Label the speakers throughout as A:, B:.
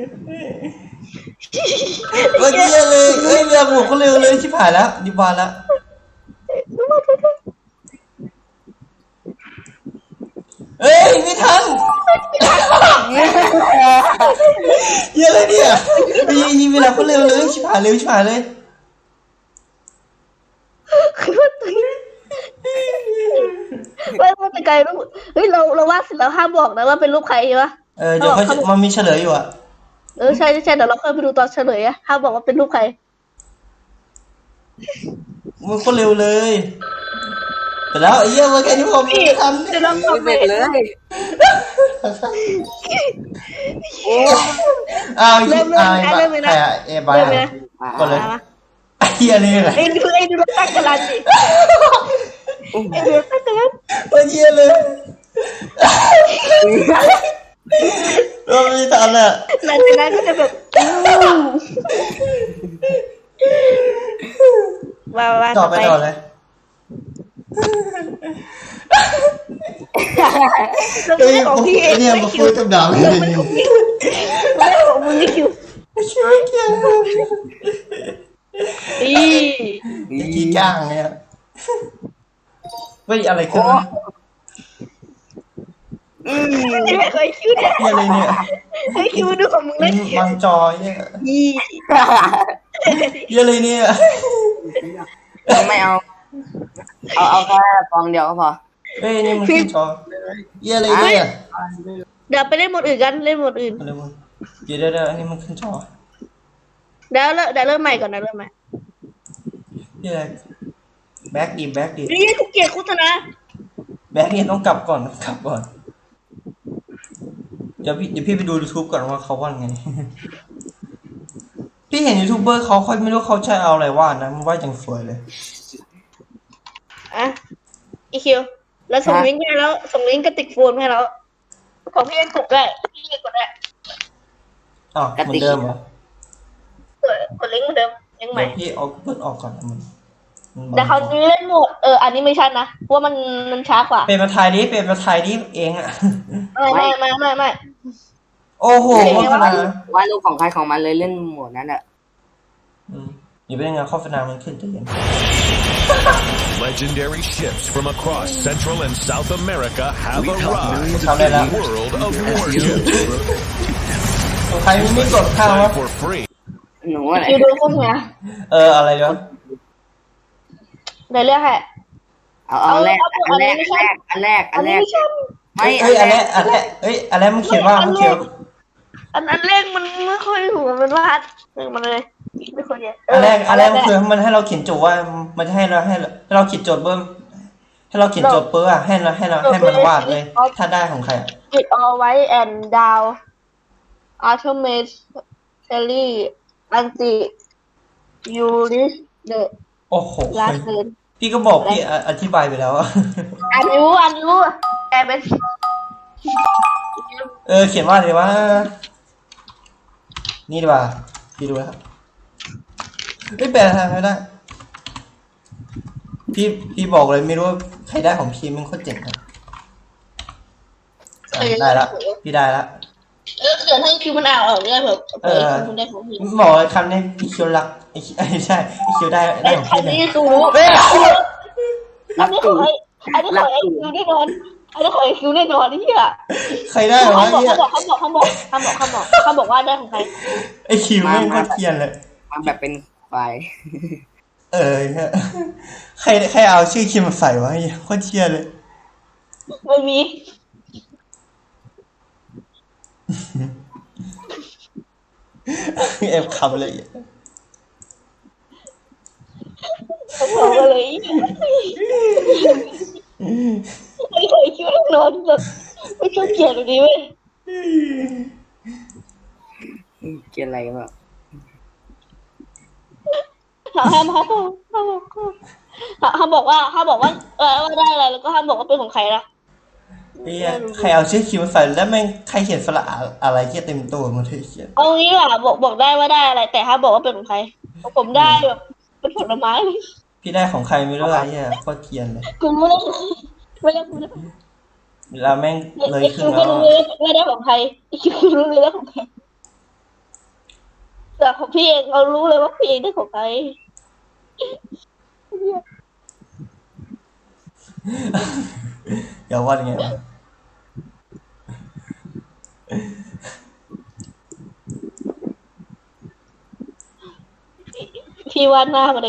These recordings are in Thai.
A: เมื่อกี้เลยเอ้ยเรือบุกเขาเร็วเลยชิบหายแล้วดิบานแล้วเฮ้ยไม่ทันเยอะเลยเนี่ยยิงเวลาเขาเร็วเลยชิบหายเร็วชิบหายเลย
B: ไม่เป็นไกลรูปเฮ้ยเราวาดเสร็จแล้วห้ามบอกนะว่าเป็นรูปใครใช่ปะ
A: เดี๋ยวเขามันมีเฉลยอยู่อ่ะ
B: ใช่เดี๋ยวเราค่อยไปดูตอนเฉลยอะห้ามบอกว่าเป็นรูปใคร
A: มันก็เร็วเลยแต่แล้วไอ้เหี้ยมันแค่นี้ผมไม่ทัน
B: เดี๋ยวเราทำ
C: ไม่เป็นเลยโอ้
A: อ้าวยิงอ้าวใครอะบายก็เลยไอ้เหี้ยนี่แหละ
B: ไอ้ดูเราตั้งกันลันดิไอ้ดูตั้งกันลัน
A: ไอ้เหี้ยเลยเราไม่ทันอ่ะ
B: หลังจากนั้นก็จะแบบว่า
A: ต่อไปเลย
B: เฮ้ยของพี่
A: เนี่ยมาคุยกับดาวเลย
B: ไม่ของมึงนี่คิว
A: ช่วยเกี่ยวกี่ก้างเนี่ยเฮ้ยอะไรกัน
B: ไม่เคยคิวเนี่ย
A: อะไรเนี่ย
B: ไอ้คิวดูของมึงเลย
A: มันจอยเนี่ยอะไรเนี่ย
C: ไม่เอาแค่ฟองเดียวก็พอ
A: เฮ้ยนี่มันขึ้นจออะไรเนี่ย
B: เดี๋ยวไปเล่นหมดอื่นกันเล่นหมดอื่น
A: เดี๋ยวอันนี้มันขึ้นจอ
B: เดี๋ยวเริ่มใหม่ก่อนนะเริ่มใหม่
A: นี่อะไรแบ็กดี
B: นี่กูเกลียดโฆษณา
A: แบ็กเนี่ยต้องกลับก่อนเดี๋ยวพี่ไปดู YouTube ก่อนว่าเขาว่าไงพี่เห็นยูทูบเบอร์เขาไม่รู้เขาใช้เอาอะไรวาดนะมันวาดอย่างสวยเลย
B: อีคิวแล้วส่งลิงก์ให้แล้วส่งลิงก์กระติกโฟนให้แล้วของพี่เอ็นกดได้พี่เอ็นกดได้
A: เหมือนเดิมเหร
B: อกดลิงก์เหมือนเดิมยังใหม่
A: พี่เอาเปิดออกก่อน
B: แต่เขาเล่นโหมดอันนี้ไม่ใช่นะเพราะมันช้ากว่า
A: เป็นมาไทยดิเองอ่ะ
B: ไม่
A: โอ้โห
C: ว่าลูกของใครของมันเลยเล่นโหมดนั้นอ่ะ
A: อย่าไปเล่นงานโฆษณามันขึ้นจะเย็น
D: Legendary ships from across Central and South America have arrived in the world of warships.
A: ใครไม่กดข้าววะ
D: For free.
C: หนูอะไร
B: คิวดูโฆษณา
A: อะไรเดี๋ยว
B: ในเรื่องแหละ
C: เอาแรกไม่
B: ไม่
A: อันแรกมันเขียนว่า
B: อันแรกมันไม่ค่อยถูกมันวาดมันเลยไม่ค่อยเยอะ
A: อันแรกคือมันให้เราเขียนโจทย์ว่ามันจะให้เราเขียนโจทย์เบิ้มให้เราเขียนโจทย์เปิ้ลให้มันวาดเลยถ้าได้ของใคร
B: It all white and down automatically anti you risk the
A: โอ้โหพี่ก็บอกพี่อธิบายไปแล้ว
B: อันรู้แต่เป็น
A: เขียนว่าอะไรวะนี่ดีกว่าพี่ดูแล้วไม่แปลทางไม่ได้พี่บอกเลยไม่รู้ใครได้ของพี่มันโคตรเจ๋งครับได้ละพี่ได้ละ
B: เกิดให้คิวมันเอาออกเนี่ยแบบคุณได้ของพี่
A: บอกเลยคำนี้พี่คิวรักใช่พี่คิวได้ของพี่เลย
B: นี่คืออันนี้ขอไอคิวแน่นอนนี่
A: ใครได้หรอ
B: เขาบอกว่าได้ของใคร
A: ไอคิวไม่โคตรเกียนเลย
C: มันแบบเป็นไฟ
A: ใครเอาชื่อคิวมาใส่วะโคตรเกียนเลย
B: ไม่มี
A: คำเลย
B: ไม่เคยคิดนอนแบบไม่ชอบเกลียดแบบนี้เว้ย
C: เกลียดอะไรแบบ
B: ห้ามบอกว่าได้อะไรแล้วก็ห้ามบอกว่าเป็นของใครนะ
A: ใครเอาชื่อคิวมาใส่แล้วแม่งใครเขียนสระอะไรเขียนเต็มตัวมันเขียน
B: เอางี้ว่ะบอกได้ว่าได้อะไรแต่ห้ามบอกว่าเป็นของใครผมได้แบบเป็นผลไม้
A: พี่ได้ของใครไม่รู้อะไรเนี่ยโคตรเทียนเลย
B: คุณไม่ได้คุณ
A: เราแม่งเลย
B: ขึ้นแล้วไม่ได้ของใครคิวรู้เลยแล้วของใครแต่ของพี่เองเรารู้เลยว่าพี่เองได้ของใคร
A: อย่าว่าอย่างเงี้ย
B: พี่วาดหน้ามาเลย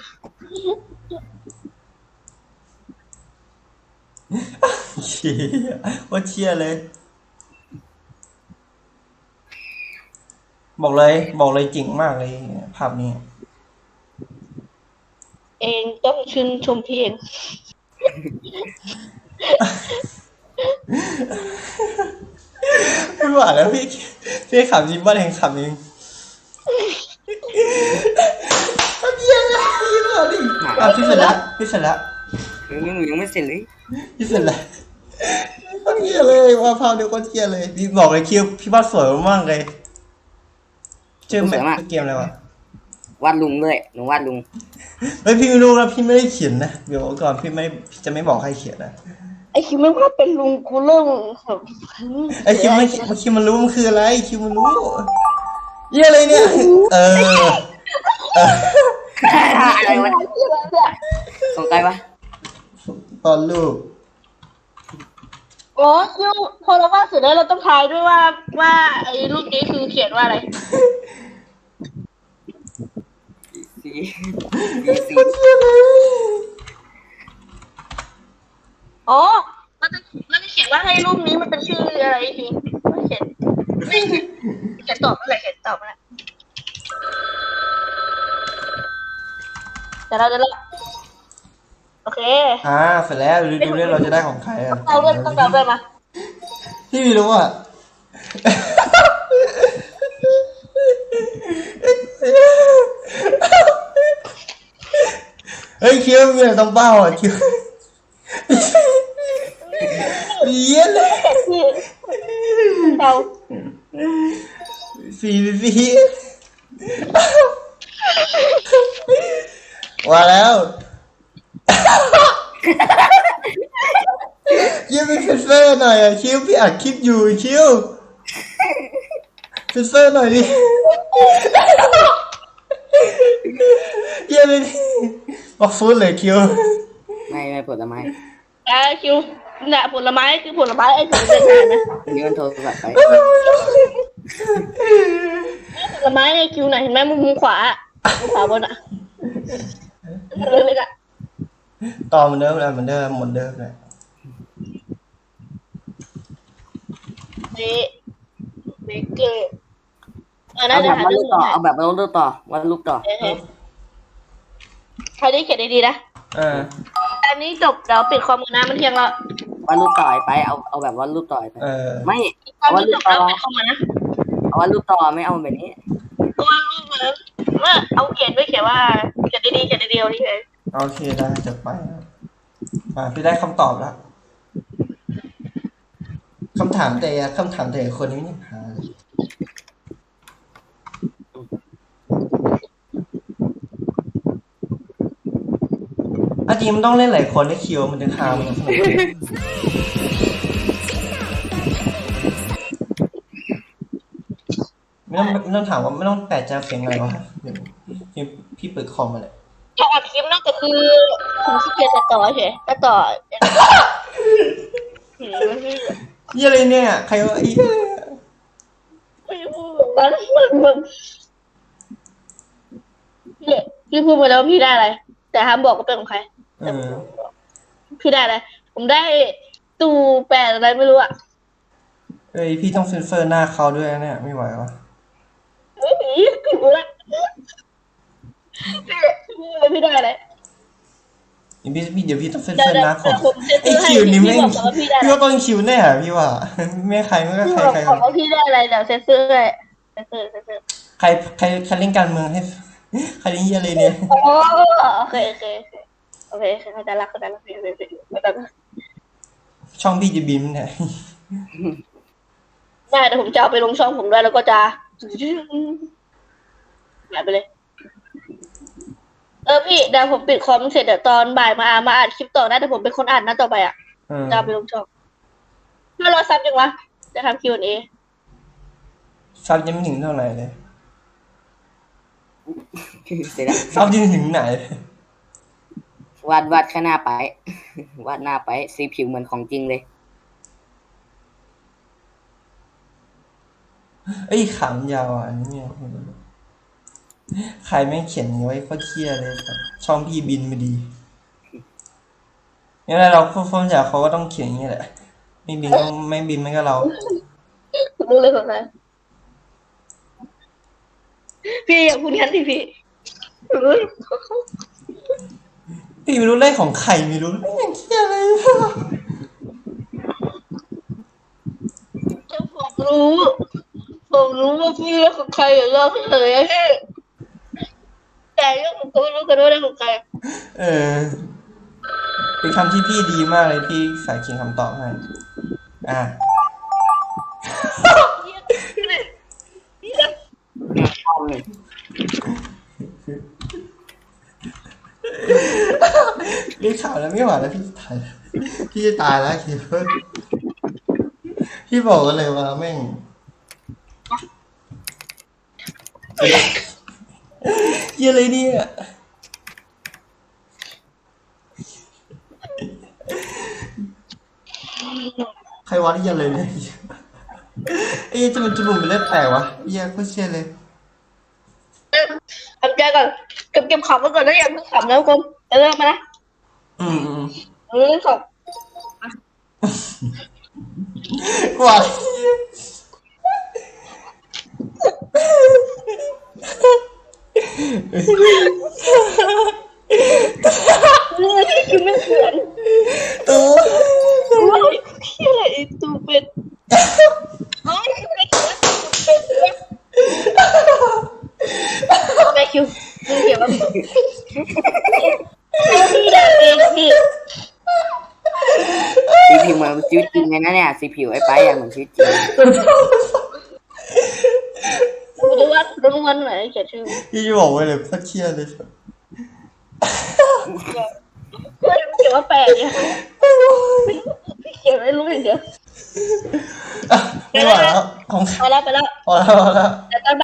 A: เชี่ยว่าเชี่ยเลย บอกเลยจริงมากเลยภาพนี้
B: เองต้องชื่นชมพี่เอง
A: ไม่ไหวแล้วพี่ขำจริงบ้านเองขำเองเยี่ยมเลยพี่เสร็จแล้วพี่เสร็จแล้ว
C: ยังไม่เสร็จเลย
A: พี่เสร็จแล้วเยี่ยเลยว่าภาพเดียวก็เยี่ยเลยพี่บอกเลยคิวพี่วาดสวยมากเลยชื่อเกมอะไรวะ
C: วาดลุงด้วยหนูวาดลุง
A: เฮ้ยพี่ไม่รู้นะพี่ไม่ได้เขียนนะเดี๋ยวก่อนพี่จะไม่บอกใครเขียนนะ
B: ไอคิวไม่ว่าเป็นลุงกูเริ่มแบบ
A: ไอคิวมันรู้มันคืออะไรคิวมันรู้เยี่ยอะไรเนี่ย
C: อะไรวะของใครวะ
A: ตอนรูป
B: อ๋อคิวพอเราวาดเสร็จแล้วเราต้องทายด้วยว่าไอ้รูปนี้คือเขียนว่าอะไร
C: สี
B: อ๋อมันจะเขียนว่าให้รูปนี้มันเป็นชื่ออะไรคิวไม่เขียนตอบอะไรเขียนตอบอะไรแต่เราจะโอเค
A: เสร็จแล้วดูเรื่องเราจะได้ของใครอ่ะ
B: เราเริ่มต้องเดาด้วยมา
A: พี่ไม่รู้อ่ะเฮ้ยคิวมีอะไรต้องเป้าอ่ะคิวเยี่ยเลย
B: ที่เรา
A: สีว่าแล้วคิวเป็นเฟอร์หน่อยอ่ะคิวพี่อัดคลิปอยู่คิวเฟอร์หน่อยดิเยี่ยเลยบอกฟูดเลยคิว
C: ไม่ผลไม้
B: คิวเนี่ยผลไม้คือผลไม้ไอ้ถึงเป็นงานนะ
C: อันนี้มันโทรศัพท์ไป
B: ผลไม้ในคิวไหนเห็นไหมมุมขวาบนอ่ะเลยอ่ะ
A: ต่อเหมือนเดิมเลยเหมือนเดิมเลย
B: เบเกอร์น่าจะหา
C: วาด
B: เรื่
C: รู
B: อง
C: ปต่อเอาแบบวาดรูปต่อวาดรูปต่อ
B: ใครได้เขียนดีๆนะอันนี้จบเดี๋ยวปิดคอมกันนะมันเที่ยงแล้ว
C: วาดรูปต่อไปเอาแบบวาดรูปต่อไปไม่
B: ตอนนี้จบแล้วปิดคอมกันนะ
C: เอาวาดรูปต่อไม่เอาแบบนี้
B: ว่ารูปเลยว่าเอาเขียนไม่เขียนว่าเขียนดีๆเอาดีเลย
A: โอเคได้จะไปพี่ได้คำตอบแล้วคำถามแต่คนนี้ไม่หาเลยจริงมันต้องเล่นหลายคนให้คิวมันจะคามมันสนุกไม่ต้องถามว่าไม่ต้องแปลกใจเสียงอะไรวะเดี๋ยวพี่เปิดคอมมาเลย
B: ถ้าอัดคลิปนอกจากคือผมขี้เกียจตัดต่อเฉยตัดต่อ
A: ยี่อะไรเนี่ยใครวะ
B: ไม่พูดมันพี่พูดมาแล้วพี่ได้อะไรแต่ห้ามบอกว่าเป็นของใครพี่ได้อะไรผมได้ตู่แปดอะไรไม่รู้อ่ะ
A: เอ้ยพี่ต้องเซ็นเซอร์หน้าเขาด้วยเนี่ยไม่ไหววะ
B: ไม่หนีกูละพี่ได้อะไร
A: เดี๋ยวพี่ต้องเซ็นเซอร์หน้าของไอ้คิวนี่ไม่พี่ว่าต้องคิวแน่พี่ว่าไม่ใครไม่ก็ใคร
B: บอกว่าพี่ได้อะไรเดี๋ยวเซ็นเซอร์เลย
A: ใครเล่นการเมืองให้ใครเล่นยี่อะไรเนี่ย
B: โอเคเขาจะรักพี่
A: ช่องพี่จะบินเนี่ย
B: ได้แต่ผมจะเอาไปลงช่องผมด้วยแล้วก็จะแบบไปเลยพี่เดี๋ยวผมปิดคอมเสร็จเดี๋ยวตอนบ่ายมาอ่านคลิปต่อนะแต่ผมเป็นคนอ่านนะต่อไปอ่ะจะเอาไปลงช่องถ้ารอซับจังวะจะทำ Q&A
A: ซับยังไม่ถึงเท่าไหร่เลย
C: เสร็จแล้ว
A: เศร้าจริงถึงไหน
C: วาดข้างหน้าไป วาดหน้าไปสีผิวเหมือนของจริงเลย
A: เอ้ยขำยาวอ่ะอันนี้เนี่ยใครไม่งเขียนอย่างนี้ไว้ก็เครียดเลยครับช่องพี่บินมาดีงั้นเราพ่อจากเขาก็ต้องเขียนอย่างนี้แหละไม่บินก็ไม่บินไม่ก็เรา
B: รู้เลยของใครพี่อย่าพูดงั้นดิพี่เฮ้ย
A: พี่ไม่รู้เลขของใครไม่รู้ไม่ยังเครียดเลย
B: ผมรู้ว่าพี่เรื่องของใครอย่าเล่าให้เลยอะพี่แต่เรื่องของเขาไม่รู้กันว่าเรื่องของใคร
A: เออเป็นคำที่พี่ดีมากเลยพี่ใส่เขียนคำตอบให้อ่ะ เรียกข่าวแล้วไม่ไหวแล้วพี่จะตายแล้วพี่จะตายแล้วคิดว่าพี่บอกกันเลยว่าแม่งเหี้ยอะไรเนี่ยใครวะที่ยันเลยเนี่ยเอ๊ะจะมันจมูกเป็นเลือดแตกวะเหี้ยโคตรเชี่ยเลย
B: ทำใจก่อนเก็บขำไว้ก่อนนะอย่าเพิ่งขำแล้วคุณจะเริ่มมานะ
A: อืม
B: เรื่องของ
A: กว่า
B: คือไม่เหมือน
A: ตัว
B: ว้าวที่อะไรไอ้ตูเป็ดเฮ้ยไม่เขียนตูเป็ดแม่คิวมึงเขียนว่าพี่ด่าเองพี่
C: สีผิวเหมือนชีวิตจริงเลยนะเนี่ยสีผิวไอ้ไปอย่างเหมือนชีวิตจริง
B: กูจะว่ารู้วันไหนเขียนชื่อ
A: พี่จะบอกไว้เลยโคตรเครียดเลย
B: เฮ้ยเขียนว่าแปลกเนี่ยพี่เขียนไม่รู้อย่างเดียว
A: ไม่ไหวแล้วของ
B: ไปแล้ว
A: พอแล้ว